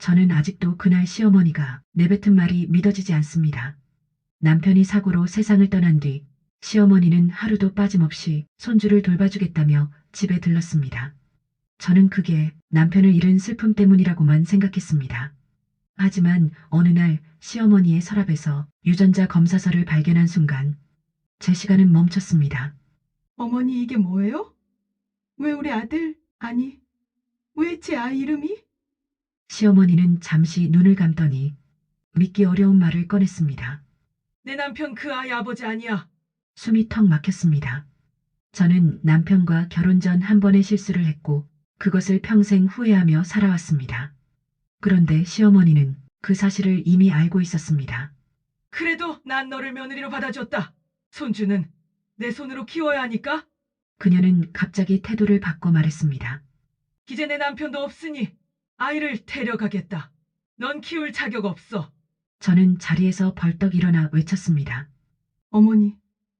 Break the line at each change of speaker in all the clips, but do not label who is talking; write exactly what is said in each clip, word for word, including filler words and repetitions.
저는 아직도 그날 시어머니가 내뱉은 말이 믿어지지 않습니다. 남편이 사고로 세상을 떠난 뒤 시어머니는 하루도 빠짐없이 손주를 돌봐주겠다며 집에 들렀습니다. 저는 그게 남편을 잃은 슬픔 때문이라고만 생각했습니다. 하지만 어느 날 시어머니의 서랍에서 유전자 검사서를 발견한 순간 제 시간은 멈췄습니다.
어머니, 이게 뭐예요? 왜 우리 아들, 아니, 왜 제 아이 이름이?
시어머니는 잠시 눈을 감더니 믿기 어려운 말을 꺼냈습니다.
내 남편 그 아이 아버지 아니야.
숨이 턱 막혔습니다. 저는 남편과 결혼 전 한 번의 실수를 했고 그것을 평생 후회하며 살아왔습니다. 그런데 시어머니는 그 사실을 이미 알고 있었습니다.
그래도 난 너를 며느리로 받아줬다. 손주는 내 손으로 키워야 하니까.
그녀는 갑자기 태도를 바꿔 말했습니다.
이제 내 남편도 없으니 아이를 데려가겠다. 넌 키울 자격 없어.
저는 자리에서 벌떡 일어나 외쳤습니다.
어머니,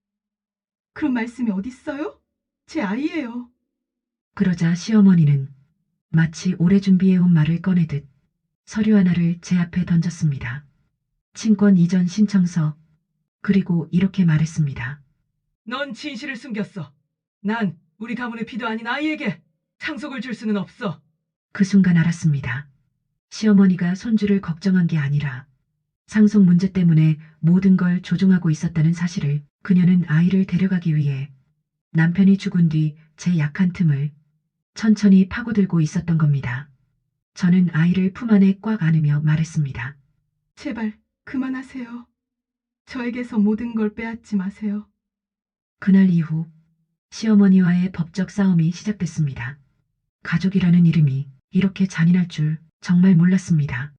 그런 말씀이 어딨어요? 제 아이예요.
그러자 시어머니는 마치 오래 준비해온 말을 꺼내듯 서류 하나를 제 앞에 던졌습니다. 친권 이전 신청서. 그리고 이렇게 말했습니다.
넌 진실을 숨겼어. 난 우리 가문의 피도 아닌 아이에게 상속을 줄 수는 없어.
그 순간 알았습니다. 시어머니가 손주를 걱정한 게 아니라 상속 문제 때문에 모든 걸 조종하고 있었다는 사실을. 그녀는 아이를 데려가기 위해 남편이 죽은 뒤 제 약한 틈을 천천히 파고들고 있었던 겁니다. 저는 아이를 품 안에 꽉 안으며 말했습니다.
제발 그만하세요. 저에게서 모든 걸 빼앗지 마세요.
그날 이후 시어머니와의 법적 싸움이 시작됐습니다. 가족이라는 이름이 이렇게 잔인할 줄 정말 몰랐습니다.